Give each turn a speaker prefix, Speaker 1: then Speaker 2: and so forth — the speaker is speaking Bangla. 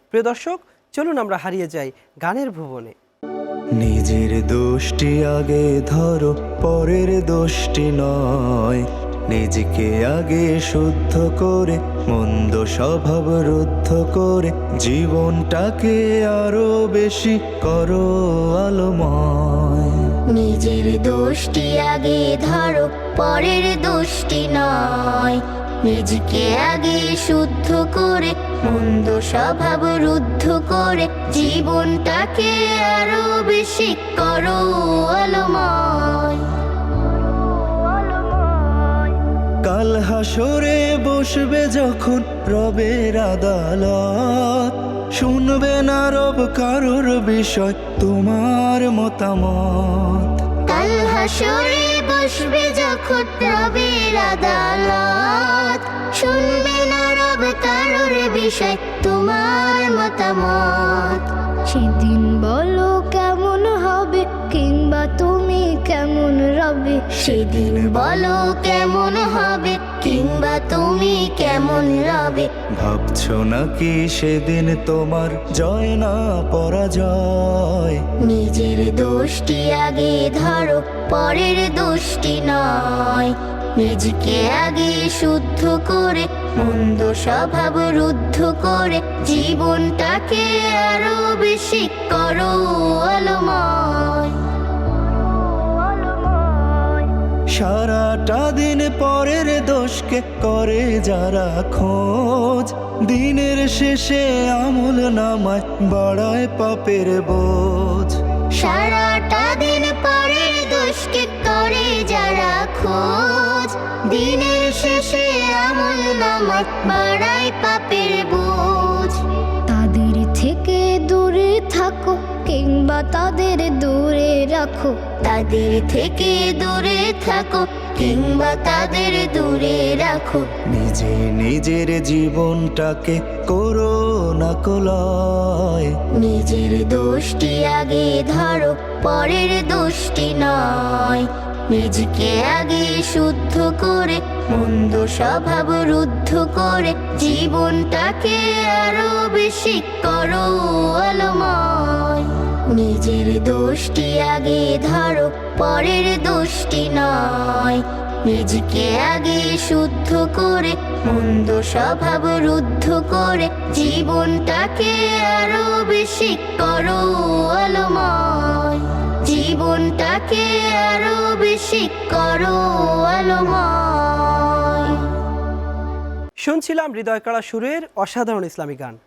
Speaker 1: প্রিয় দর্শক, চলুন আমরা হারিয়ে যাই গানের ভুবনে।
Speaker 2: নিজের দোষটি আগে ধরো, পরের দোষটি নয়। নিজেকে আগে শুদ্ধ করে, মন্দ স্বভাব রুদ্ধ করে, জীবনটাকে আরো বেশি করো আলোময়।
Speaker 3: নিজের দোষটি আগে ধরো, পরের দোষটি নয়। নিজেকে আগে শুদ্ধ করে, মন্দ স্বভাব রুদ্ধ করে, জীবনটাকে আরো বেশি করো আলোময়।
Speaker 2: কাল হাসরে বসবে যখন রবের আদালত, শুনবে না রব কারোর বিষয় তোমার মতামত।
Speaker 3: কাল হাসরে বসবে যখন রবের আদালত, শুনবে না রব কারোর বিষয় তোমার মতামত। সেদিন বলো কেমন হবে, কিংবা তুমি কেমন রবে। সেদিন বলো কেমন হবে, কিংবা তুমি কেমন রবে।
Speaker 2: ভাবছো নাকি সেদিন তোমার জয় না পরাজয়?
Speaker 3: নিজের দোষটি আগে ধরো, পরের দোষটি নয়। নিজেকে আগে শুদ্ধ করে, মন্দ স্বভাব রুদ্ধ করে, জীবনটাকে আরো বেশি করো আলোময়।
Speaker 2: সারাটা দিন পরের দোষকে করে যারা খোঁজ, দিনের শেষে আমল নামায় বাড়ায় পাপের বোঝ।
Speaker 3: সারাটা দিন পরের দোষকে করে যারা খোঁজ, দিনের শেষে আমল নামায় বাড়ায় পাপের বোঝ। তাদের থেকে দূরে থাকো, কিংবা তাদের দূরে রাখো। তাদের থেকে দূরে থাকো, কিংবা তাদের দূরে রাখো।
Speaker 2: নিজে নিজের জীবনটাকে করো না কলয়।
Speaker 3: নিজের দোষটি আগে ধরো, পরের দোষটি নয়। নিজেকে আগে শুদ্ধ করে, মন্দ স্বভাব রুদ্ধ করে, জীবনটাকে আরো বেশি করো আলোময়। নিজের দোষটি আগে ধরো, পরের দোষটি নয়। নিজেকে আগে শুদ্ধ করে, মন্দ স্বভাব রুদ্ধ করে, জীবনটাকে আরো বেশি করো আলোময়। জীবনটাকে আরো বেশি করো আলোময়।
Speaker 1: শুনছিলাম হৃদয়কাড়া সুরের অসাধারণ ইসলামী গান।